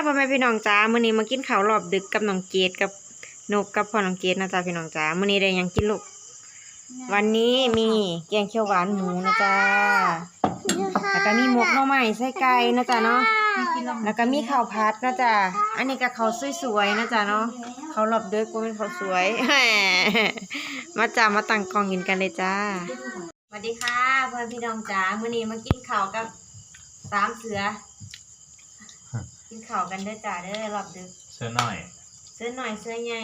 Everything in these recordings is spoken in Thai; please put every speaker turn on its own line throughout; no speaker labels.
พ่อแม่พี่น้องจ้ามื้อนี้มากินข้าวรอบดึกกับน้องเกดกับนกกับพ่อน้องเกดนะจ้าพี่น้องจ้ามื้อนี้ได้หยังกินลูกวันนี้มีแกงเขียวหวานหมูนะจ้าแล้วก็มีหมกหน่อไม้ใส่ไก่นะจ้าเนาะแล้วก็มีข้าวผัดนะจ้าอันนี้ก็ข้าวสวยๆนะจ้าเนาะข้าวรอบดึกบ่เป็นข้าวสวย มาจ้ามาตั้งกล้องกินกันเลยจ้าสวัสดีค่ะเพื่อนพี่น้องจ้ามื้อนี้มากินข้าวกับสามเสือกินข้าวกันเด้อจ้าเด้อรอบดึก
เสื้อหน่อย
เสื้อหน่อยเสื้อใหญ่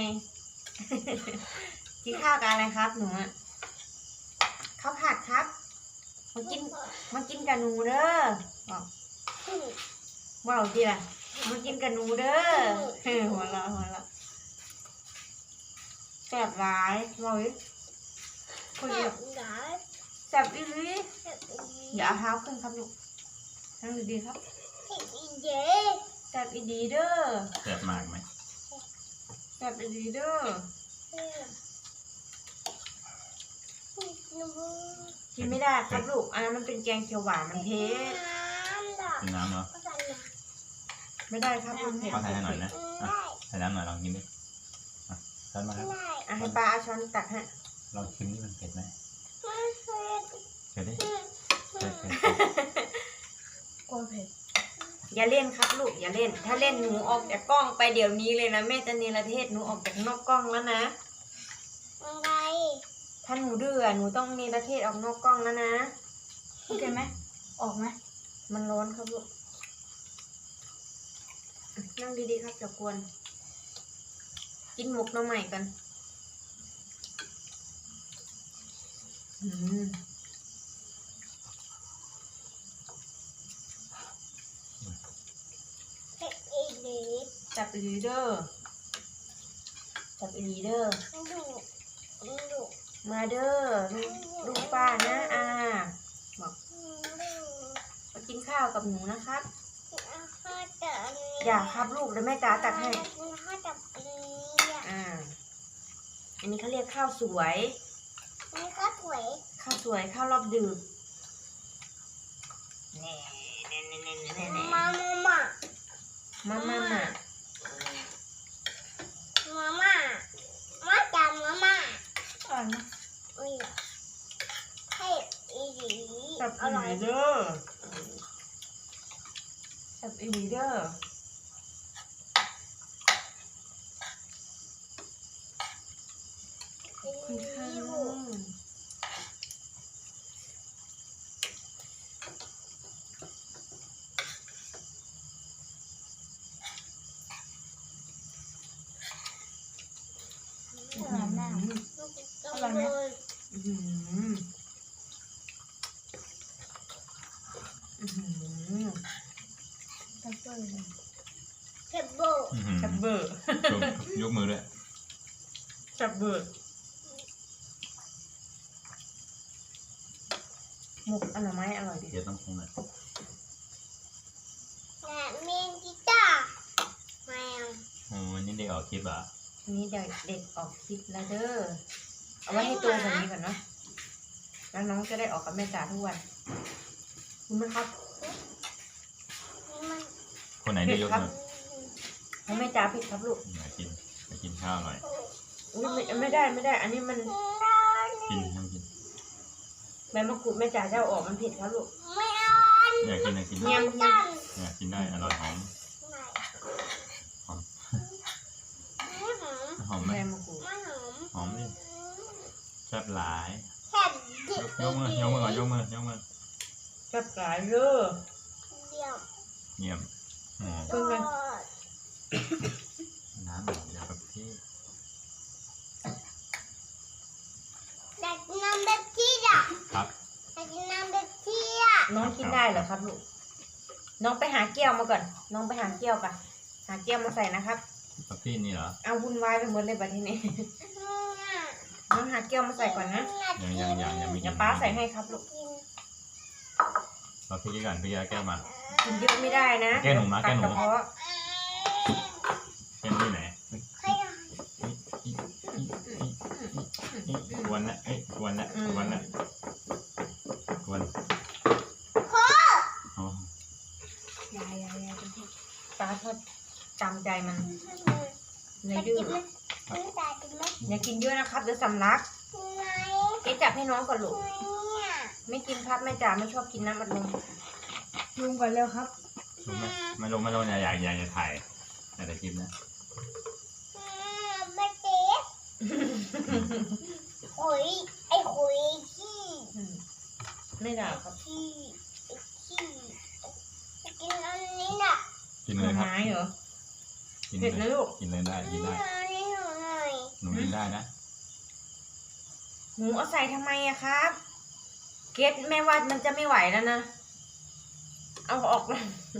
กินข้าวกันอะไรครับหนูอ่ะข้าวผัดครับมากินกับหนูเด้อบอกว้าวดีล่ะมากินกับหนูเด้อหัวเราะแซ่บหลายบอกดิคุยแซ่บอีหลีอย่าเอาเท้าขึ้นครับลูกนั่งดีๆครับแซ่บอีดีเด้อ
แซ่บมากไหม
แซ่บอีดีเด้อกินไม่ได้ครับลูกอันนั้นมันเป็นแกงเขียวหวานมันเผ็ด
กินน้ำเหรอ
ไม่ได้ครับมันเผ็ด
ขอใส่ให้หน่อยนะใส่น้ำหน่อยลองกินดิช้อนมาครับ
ให้ปลาเอาช้อนตักให้
ลองชิมนี่มันเผ็ดไหมเผ็ดดิ
กลัวเผ็ดอย่าเล่นครับลูกอย่าเล่นถ้าเล่นหนูออกจากกล้องไปเดี๋ยวนี้เลยนะแม่จะเนรเทศหนูออกจากนอกกล้องแล้วนะ
อะไร
ถ้าหนูดื้อหนูต้องเนรเทศออกนอกกล้องแล้วนะโอเคไหมออกไหมมันร้อนครับลูกนั่งดีๆครับอย่ากวนกินหมกหน่อไม้กันจับอีลีเดอร์มาเด้อลูกป้านะบอกมากินข้าวกับหนูนะครับอย่าครับลูกแล้วแม่จ๋าตักให้อันนี้เขาเรียกข้าวสวยข้าวสวยข้าวรอบดึกมา
จำมาม่าให้อีหลี
จับอีหลีเด้อจับอีหลีเด้อคุณค่ะ
อร่อยไหมเจ็บเบอร์
ยกมือด้วย
จับเบอร์หมกอร่อยไหมอร่อยดิ
เดี๋ยวต้องคงหน่อย
เมนจิต้าแมว
วันนี้เด็กออกคลิปอ่ะ
วันนี้เด็กออกคลิปแล้วเด้อเอาไว้ให้โตกว่านี้ก่อนเนาะแล้วน้องจะได้ออกกับแม่จ๋าทุกวันคุณไหมครับ
คนไหนได้ยกมือ
ให้แม่จ๋าผิดครับลูก
มากินข้าวหน่อย
ไม่ได้อันนี้มัน
กิน
ใบมะกรูดแม่จ๋าจะเอาออกมันผิดครับลูก
ไม่เอา
อยากกิน
เงียบ
กินได้อร่อยหอมไหม
ใบมะกรูด
หอมดิแซ่บหลายยกมือก่อนยกมือ
แซ่บหลายเด้อ
เยี่ยม
เพิ่งเลย
น้ำแบบแบบที่
อยากกินน้ำแบบที่อ่ะ
ครับ
อยากกินน้ำแบบที่อ่ะ
น้องกินได้เหรอครับลูกน้องไปหาแก้วมาก่อนน้องไปหาแก้วกันหาแก้วมาใส่นะครับ
แบบที่นี่เหรอ
เอาวุ่นวายไปหมดเลยบัดทีนี้น้องหาแก้วมาใส่ก่อนนะ
ยังมี
ป้าใส่ให้ครับลูก
เราพี่ก่อนพี่แก้วมา
กินเยอะไม่ได้นะ
แก้หนุ่มนะแก้หนุ่มแก้ที่ไหนวันละวัน
ยายป้าทอดตามใจมันเลยดื้อ
ไม่ตายกินไหม
อย่ากินเยอะนะครับเดี๋ยวสำลัก
ไง
เจ๊จับให้น้องก่อนลูก
เนี่ย
ไม่กินครับแม่จ๋าไม่ชอบกินน้ำอัดลมลุงก่อนเร็วครับ
ลงไหมไม่ลงไม่ลงอยากจะถ่ายแต่คลิปนะ
ไม่เจ๊ขุยไอ้ขุยขี้
ไม่ด่าครับ
ขี้ขี้กินอันนี้น่ะ
กิน
ห
เล
น่อย
ครับ
ไม้เหรอ
กิน
เผ็ด
เล
นะ
ย
ลูก
กินเลยได้กินได้
อันนี้หนูหน่อย
หนูกินได้นะ
หมูเอาใส่ทำไมอะครับ เกตแม่ว่ามันจะไม่ไหวแล้วนะ เอาออกเลย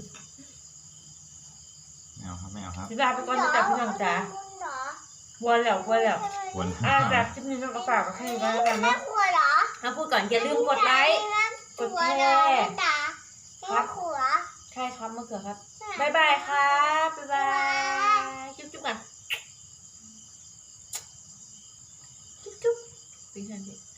ไม่เอาครับไม่เอาครับ
พี่ลาไปก่อนจะจับพี่น้องจ๋า
เหรอ
วนแล้ว
วน
จากคลิปนี้ต้องฝากกับใครก็แล้วกัน
แม่
เนาะ
ครัวเหรอ
ถ้าพูดก่อนอย่าลืมกดไลค์ กดแชร์
แม่ครัว
ใช่ครับมะเขือครับบ๊ายบายครับบ๊ายบายจุ๊บจุ๊บอ่ะจุ๊บจุ๊บปีชันดิ